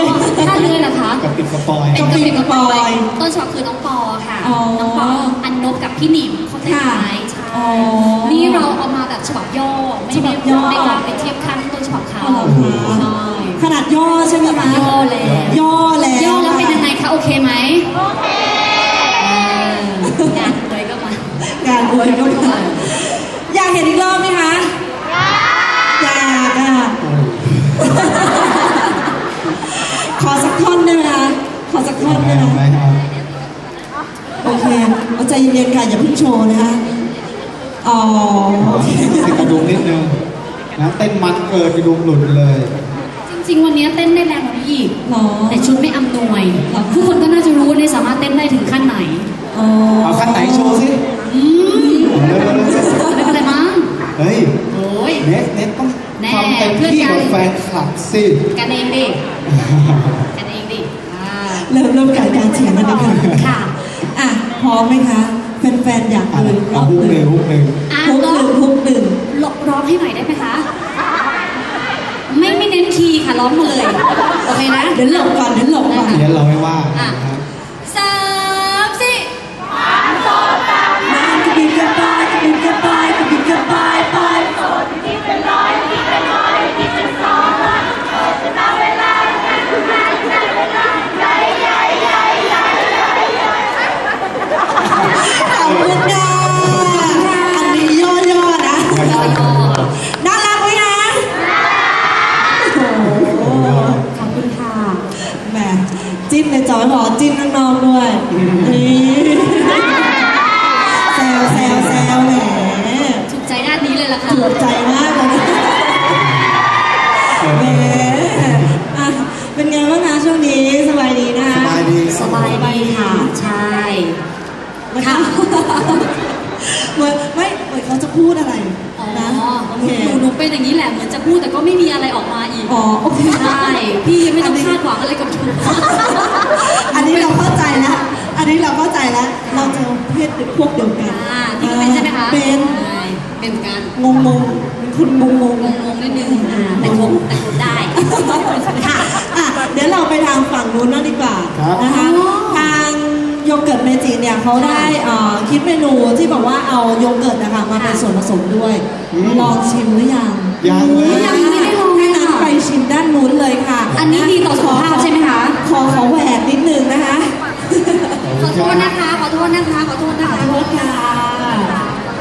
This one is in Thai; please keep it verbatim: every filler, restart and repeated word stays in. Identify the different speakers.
Speaker 1: ยท่าเรือเหรอคะ
Speaker 2: กับปิดกระปอย
Speaker 1: เป็นกระปิดกระปอยต้นฉบับคือน้องปอค่ะน้องปออันนบกับพี่หนิมเขาแต่งไว้ใช่นี่เราเอามาแบบฉบับย่อไม่ได้ไม่กล้าไปเทียบขั้นต้นฉบับเขาใช่
Speaker 3: ขนาดย่อใช่ไหมคะ
Speaker 1: ย่อแล้ว
Speaker 3: ย่อแล้ว
Speaker 1: ย่อแล้วเป็นยังไงคะโอเคไหมโอเคงานเลยก็มาง
Speaker 3: านอวยก็มาอยากเห็นอีกรอบไหมคะอยากอยากขอสักท่อนได้ไหมคะขอสักท่อนได้ไหมโอเคเอาใจเย็นๆค่ะอย่าเพิ่งโชว์นะคะอ๋อ
Speaker 2: ให้กระดุมนิดนึงนะเต้นมันเกิดกระดุมหลุดเลย
Speaker 1: จริงๆวันนี้เต้นได้แรงกว่านี้อีก
Speaker 3: หรอ
Speaker 1: แต่ชุดไม่อำนวยทุกคนก็น่าจะรู้ว่าเนี่ยสามารถเต้นได้ถึงขั้นไหน
Speaker 2: เอาขั้นไหนโชว์สิ
Speaker 1: ไม่เป็นไรมั้ง
Speaker 2: เฮ้ย
Speaker 1: โอ้ย
Speaker 2: เน็ตเน็ตต้องทำเต็มที่กับแฟนคลับสิ
Speaker 1: กันเองดิกันเองดิ
Speaker 3: เริ่มเริ่มการการเฉียงกันนะคะ
Speaker 1: ค่ะ
Speaker 3: อ่ะพร้อมไหมคะแฟนๆอยากดู
Speaker 2: รอบหนึ่งฮุกหนึ่ง
Speaker 3: ฮุกหนึ่งฮุกหนึ่ง
Speaker 1: ร้องให้หน่อยได้ไหมคะไม่ไม่เน้นคีย์ค่ะร้องมาเลยโอเคนะ
Speaker 3: เดี๋ยวหลบก่อนเดี๋ยวหลบก่อน
Speaker 2: เดี๋ยวเราไม่ว่า
Speaker 1: สามสี่
Speaker 3: สามสองสามมากระบินกระบายกระบินกระบายกระบินกระบายไปโสดที่เป็นร้อยที่เป็นร้อยที่เป็นสองโสดจะตามเวลาการทำงานใช้เวลาใหญ่ใหญ่ใหญ่ใหญ่ใหญ่ใหญ่ขอบคุณค่ะอันนี้ย่อๆนะน่ารักไหมคะ
Speaker 1: ขอบคุณค่ะ
Speaker 3: แหมจิ้มในจอยหอจิ้มน้องๆด้วยแซวแซวแซวแหม
Speaker 1: ถูกใจด้านนี้เลยล่ะค่ะ
Speaker 3: ถูกใจมากเลยแหมอ่ะเป็นไงบ้างคะช่วงนี้สบายดีนะ
Speaker 2: สบายดี
Speaker 1: สบายดีค่ะใช่
Speaker 3: ค่ะเหมือนไม่เหมือนเขาจะพูดอะไรนะ
Speaker 1: โอเคหนูหนูเป็นอย่างนี้แหละเหมือนจะพูดแต่ก็ไม่มีอะไรออกมาอีก
Speaker 3: อ๋อโอเค
Speaker 1: ใช่พี่ยังไม่ต้องคาดหวังอะไรกับหนู
Speaker 3: อันนี้เราเข้าใจแล้วอันนี้เราเข้าใจแล้วเราจะเพศพวกเดียวกัน
Speaker 1: พี่เป็นใช่ไหมคะ
Speaker 3: เป็น
Speaker 1: เป็นกัน
Speaker 3: งงงเป็นคนงงง
Speaker 1: งงงนิดนึงแต่คงแต่คงได้
Speaker 3: ค่ะอ่ะเดี๋ยวเราไปทางฝั่งนู้นนั่นดีกว่านะคะทางโยเกิร์ตเมจิเนี่ยเขาได้คิดเมนูที่บอกว่าเอาโยเกิร์ตนะคะมาเป็นส่วนผสมด้วยลองชิมหรือยัง
Speaker 2: ยังเลย
Speaker 1: ยังไม่ได้ลอง
Speaker 3: ให้นั้นไปชิมด้านนู้นเลยค่ะ
Speaker 1: อันนี้ดีต่อสุขภาพใช่ไหมคะ
Speaker 3: ขอขอแหวกนิดนึงนะคะ
Speaker 1: ขอโทษนะคะขอโทษนะคะขอโทษนะคะ
Speaker 3: ขอโทษค่ะ